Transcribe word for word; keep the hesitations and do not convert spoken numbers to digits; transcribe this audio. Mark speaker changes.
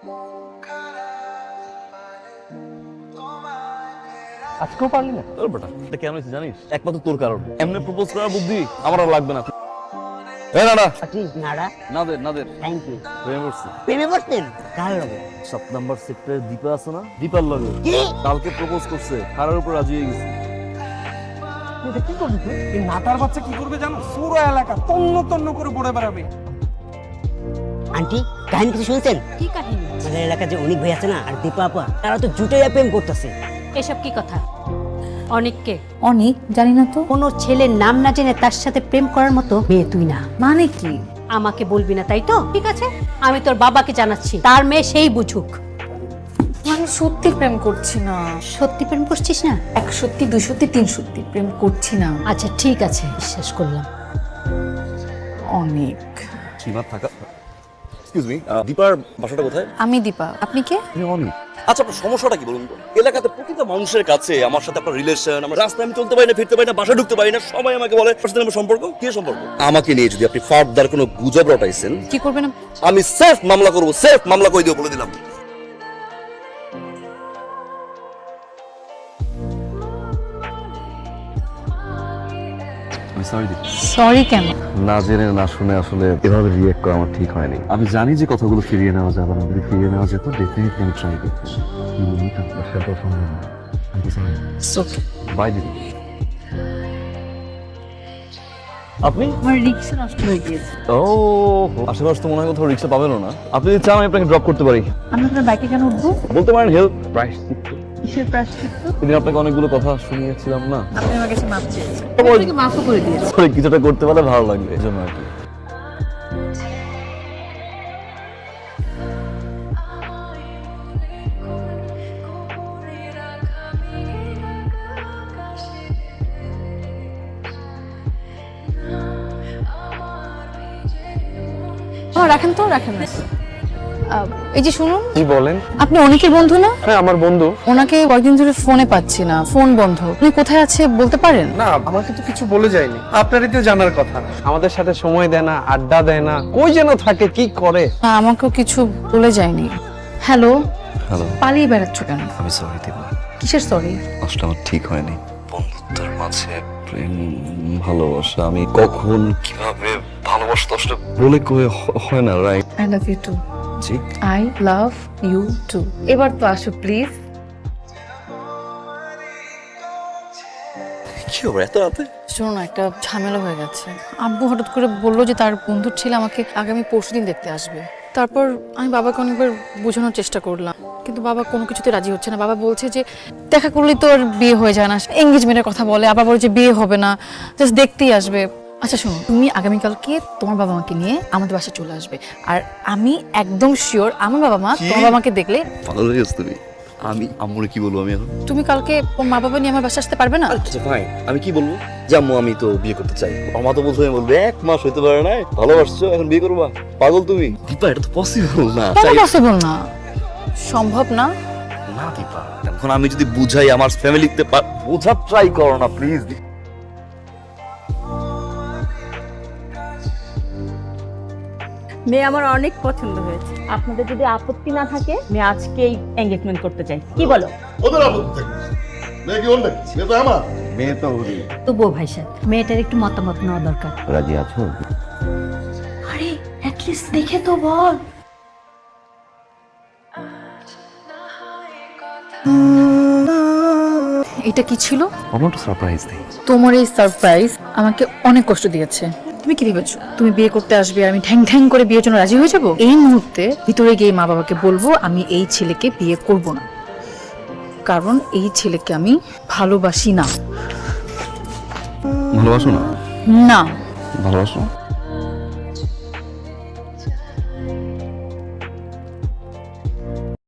Speaker 1: আজকেও পারলি না? তোর বেটা এটা কেন হয়েছে জানিস? একমাত্র তোর কারণ। এমনি প্রপোজ করার বুদ্ধি আমার আর লাগবে না। এই না না
Speaker 2: নাড়া
Speaker 1: নাদের নাদের
Speaker 2: থ্যাংক ইউ।
Speaker 1: প্রেমে পড়ছি।
Speaker 2: প্রেমে পড়তেন কার লগে?
Speaker 1: সাত নাম্বার সেক্টরে দীপা আছে না, দীপার লগে
Speaker 2: কি?
Speaker 1: কালকে প্রপোজ করছে, হারার উপর রাজি হয়ে গেছে।
Speaker 3: এটা কি করবি তুই? এই নাতার বাচ্চা কি করবে জানো? পুরো এলাকা তন্ন তন্ন করে পড়ে বেড়াবে।
Speaker 2: আন্টি কাহিনী কিছু শুনছেন?
Speaker 4: কি কাহিনী?
Speaker 2: আমাদের এলাকায় যে অনিক ভাই আছে না আর দীপা আপা, তারা তো জুটে প্রেম করতেছে।
Speaker 4: এসব কি কথা? অনেককে
Speaker 5: অনেক জানি না তো।
Speaker 4: কোনো ছেলের নাম না জেনে তার সাথে প্রেম করার মতো মেয়ে তুই না।
Speaker 5: মানে কি?
Speaker 4: আমাকে বলবি না তাই তো? ঠিক আছে, আমি তোর বাবাকে জানাচ্ছি, তার মেয়ে সেই বুঝুক।
Speaker 5: আমি সত্যি প্রেম করছি না।
Speaker 4: সত্যি প্রেম করছিস না?
Speaker 5: এক সত্যি, দুই সত্যি, তিন সত্যি প্রেম করছি না।
Speaker 4: আচ্ছা ঠিক আছে, বিশ্বাস করলাম।
Speaker 5: অনেক।
Speaker 1: সীমা থাকা। এক্সকিউজ মি, দীপার বাসাটা কোথায়?
Speaker 5: আমি দীপা, আপনি কে?
Speaker 1: আমি অনিক। আচ্ছা আপনার সমস্যাটা কি বলুন তো? এলাকাতে প্রতিটা মানুষের কাছে আমার সাথে আপনার রিলেশন, আমার রাস্তায় আমি চলতে পারি না, ফিরতে পারি না, বাসায় ঢুকতে পারি না, সবাই আমাকে বলে আপনার সাথে আমার সম্পর্ক কি সম্পর্ক? আমাকে নিয়ে যদি আপনি ফার্দার কোনো গুজব রটাইছেন,
Speaker 5: কি করবেন?
Speaker 1: আমি সেফ মামলা করব, সেফ মামলা করে দিও বলে দিলাম।
Speaker 5: সরি কেন?
Speaker 1: না জেনে না শুনে আসলে এভাবে রিয়েক্ট করা আমার ঠিক হয়নি। আমি জানি যে কথাগুলো ফিরিয়ে নেওয়া যাবে না, যদি ফিরিয়ে নেওয়া যেত ডেফিনেটলি আমি ট্রাই করতাম। বাই দিদি। আপনি?
Speaker 5: আমার রিক্সা নষ্ট হয়ে গিয়েছে।
Speaker 1: ও আশেপাশে তো মনে হয় কোথাও রিক্সা পাবেন না। আপনি যদি চান আমি আপনাকে ড্রপ করতে পারি।
Speaker 5: আমি আপনার বাইকে কেন উঠবো?
Speaker 1: বলতে পারেন হেল্প। প্রাইস
Speaker 5: কিসের প্রায়শ্চিত্ত?
Speaker 1: সেদিন আপনাকে অনেকগুলো কথা শুনিয়েছিলাম না,
Speaker 5: আপনি আমার কাছে মাপ চেয়েছেন, আমি আপনাকে মাফও করে দিয়েছি।
Speaker 1: সরি কিছুটা করতে পারলে ভালো লাগবে এই জন্য আর কি।
Speaker 5: হ্যাঁ রাখেন তো, রাখেন না। আহ, এই যে শুনুন,
Speaker 3: কি বলেন?
Speaker 5: আপনি অনেকের বন্ধু না?
Speaker 3: হ্যাঁ আমার বন্ধু।
Speaker 5: ওনাকে কয়েকদিন ধরে ফোনে পাচ্ছি না, ফোন বন্ধ। উনি কোথায় আছে বলতে পারেন?
Speaker 3: না আমাকে তো কিছু বলে যায়নি। আপনারই তো জানার কথা। আমাদের সাথে সময় দেয় না, আড্ডা দেয় না, কই যেন থাকে, কি করে।
Speaker 5: না, আমাকেও কিছু বলে যায়নি। হ্যালো,
Speaker 1: হ্যালো,
Speaker 5: পালিয়ে বেড়াচ্ছ কেন?
Speaker 1: আমি সরি দীপা,
Speaker 5: কিসের সরি?
Speaker 1: আসলে আমার ঠিক হয়নি। বন্ধুত্বের মাঝে প্রেম ভালোবাসা আমি কখন কিভাবে ভালোবাসতে আসলে বলে কয়ে হ- হয় না, right?
Speaker 5: I love you too.
Speaker 1: জি
Speaker 5: আই লাভ ইউ টু। এবার তো আসো প্লিজ।
Speaker 1: কি হবে এত রাতে?
Speaker 5: শোনো না, একটা ঝামেলা হয়ে গেছে। আব্বু হঠাৎ করে বললো যে তার বন্ধুর ছেলে আমাকে আগামী পরশুদিন দেখতে আসবে। তারপর আমি বাবাকে অনেকবার বোঝানোর চেষ্টা করলাম, কিন্তু বাবা কোনো কিছুতে রাজি হচ্ছে না। বাবা বলছে যে দেখা করলেই তো আর বিয়ে হয়ে যায় না, এঙ্গেজমেন্টের কথা বলে, আবার বলে যে বিয়ে হবে না, জাস্ট দেখতেই আসবে। আচ্ছা শোনো, তুমি আগামীকালকে তোমার বাবা মাকে নিয়ে আমাদের বাসায় চলে আসবে, আর আমি একদম শিওর আমার বাবা মা তোমার বাবা মাকে দেখলে
Speaker 1: ভালো লেগেছে তুমি। আমি আম্মুরে কি বলবো আমি এখন?
Speaker 5: তুমি কালকে ওর মা বাবা নিয়ে আমার বাসায় আসতে পারবে না?
Speaker 1: আচ্ছা ফাইন, আমি কি বলবো যে আম্মু আমি তো বিয়ে করতে চাই। আমার তো বলতে বলবে এক মাস হইতে পারে না, ভালোবাসছো এখন বিয়ে করবা? পাগল তুমি দীপা, এটা তো পসিবল না।
Speaker 5: কেন পসিবল না? সম্ভব না?
Speaker 1: না দীপা, এখন আমি যদি বুঝাই আমার ফ্যামিলিতে বোঝার ট্রাই করো না প্লিজ।
Speaker 6: মেয়ে আমার অনেক পছন্দ হয়েছে। আপনাদের যদি আপত্তি না থাকে মেয়ে আজকেই এঙ্গেজমেন্ট করতে চাই, কি বলো?
Speaker 7: ওদের আপত্তি থাকবে। মেয়ে কি ওর নাকি? মেয়ে তো আমার।
Speaker 1: মেয়ে তো ওরই।
Speaker 4: তবুও ভাই সাহেব, মেয়েটার একটু মতামত নেওয়া দরকার।
Speaker 1: রাজি আছো?
Speaker 5: আরে অ্যাটলিস্ট দেখে তো বল। এটা কি ছিল?
Speaker 1: আমার তো সারপ্রাইজ নেই।
Speaker 5: তোমার এই সারপ্রাইজ আমাকে অনেক কষ্ট দিয়েছে। তুমি কি ভেবেছো তুমি বিয়ে করতে আসবে আর আমি ঠ্যাং ঠ্যাং করে বিয়ের জন্য রাজি হয়ে যাবো? এই মুহূর্তে ভিতরে গিয়ে মা বাবাকে বলবো আমি এই ছেলেকে বিয়ে করব না, কারণ এই ছেলেকে আমি ভালোবাসি না।
Speaker 1: ভালোবাসো না?
Speaker 5: না
Speaker 1: ভালোবাসো?